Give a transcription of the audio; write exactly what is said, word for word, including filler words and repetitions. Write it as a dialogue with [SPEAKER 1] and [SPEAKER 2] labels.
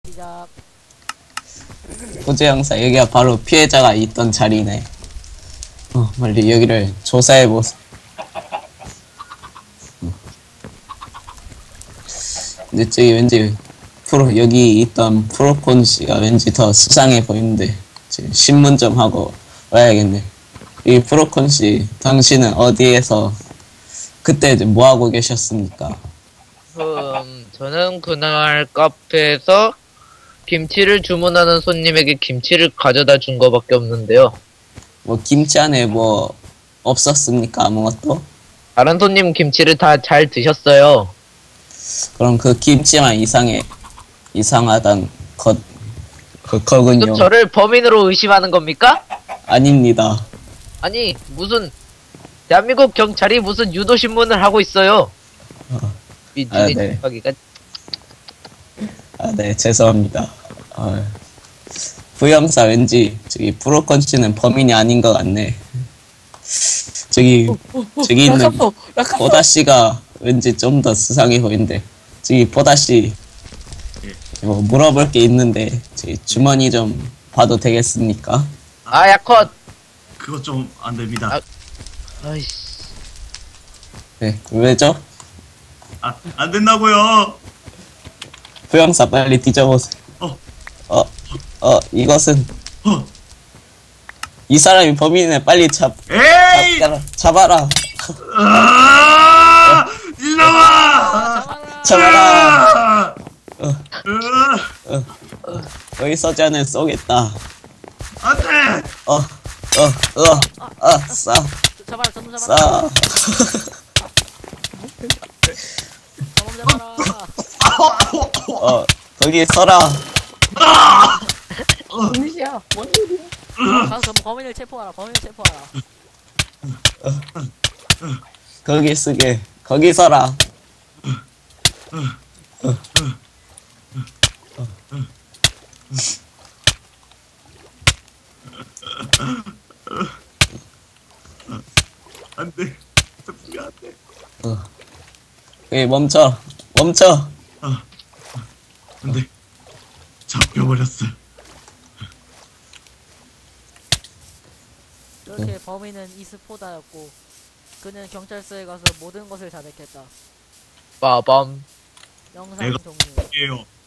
[SPEAKER 1] 시작.
[SPEAKER 2] 호재 형사, 여기가 바로 피해자가 있던 자리네. 어, 빨리 여기를 조사해보소. 어. 근데 저기 왠지 프로, 여기 있던 프로콘 씨가 왠지 더 수상해 보이는데, 지금 신문 좀 하고 와야겠네. 이 프로콘 씨, 당신은 어디에서 그때 뭐 하고 계셨습니까?
[SPEAKER 3] 음, 저는 그날 카페에서 김치를 주문하는 손님에게 김치를 가져다 준 거밖에 없는데요.
[SPEAKER 2] 뭐 김치 안에 뭐 없었습니까? 아무것도?
[SPEAKER 3] 다른 손님 김치를 다 잘 드셨어요.
[SPEAKER 2] 그럼 그 김치만 이상해 이상하단 것 그 거군요.
[SPEAKER 3] 지금 저를 범인으로 의심하는 겁니까?
[SPEAKER 2] 아닙니다.
[SPEAKER 3] 아니, 무슨 대한민국 경찰이 무슨 유도 신문을 하고 있어요.
[SPEAKER 2] 어.
[SPEAKER 3] 민중의
[SPEAKER 2] 아, 네.
[SPEAKER 3] 집하기가
[SPEAKER 2] 아, 네, 죄송합니다. 어. 부형사 왠지 저기 브로컨 씨는 범인이 아닌 것 같네. 저기 저기 있는 보다 씨가 왠지 좀 더 수상해 보이는데, 저기 보다 씨, 뭐 물어볼 게 있는데 저기 주머니 좀 봐도 되겠습니까?
[SPEAKER 3] 아, 야컷.
[SPEAKER 4] 그거 좀 안 됩니다.
[SPEAKER 3] 아. 아이씨.
[SPEAKER 2] 네, 왜죠?
[SPEAKER 4] 아, 안 된다고요.
[SPEAKER 2] 부형사 빨리 뒤져보세요.
[SPEAKER 4] 어,
[SPEAKER 2] 어, 어, 이것은
[SPEAKER 4] 어,
[SPEAKER 2] 이 사람이 범인이네. 빨리 잡,
[SPEAKER 4] 에이!
[SPEAKER 2] 잡아라. 잡아라.
[SPEAKER 4] 아, 이놈아!
[SPEAKER 2] 잡아라.
[SPEAKER 4] 아! 으아!
[SPEAKER 2] 여기 서지 않으면 쏘겠다.
[SPEAKER 4] 안 돼!
[SPEAKER 2] 어, 어, 어, 아, 싸,
[SPEAKER 1] 잡아라, 전부 잡아라.
[SPEAKER 2] 싸.
[SPEAKER 1] 전부 잡아라.
[SPEAKER 2] 어, 거기 서라.
[SPEAKER 1] 무시야. 뭔 일이야? 가서 범인을 체포하라. 범인을 체포하라.
[SPEAKER 2] 거기 쓰게. 거기 서라.
[SPEAKER 4] 안 돼. 잡히면 안 돼.
[SPEAKER 2] 어. 거기 멈춰. 멈춰.
[SPEAKER 4] 안 돼. 잡혀버렸어.
[SPEAKER 1] 이렇게 범인은 이스포다였고 그는 경찰서에 가서 모든 것을 자백했다.
[SPEAKER 3] 빠밤.
[SPEAKER 1] 영상
[SPEAKER 4] 내가-
[SPEAKER 1] 종료.
[SPEAKER 4] 예요.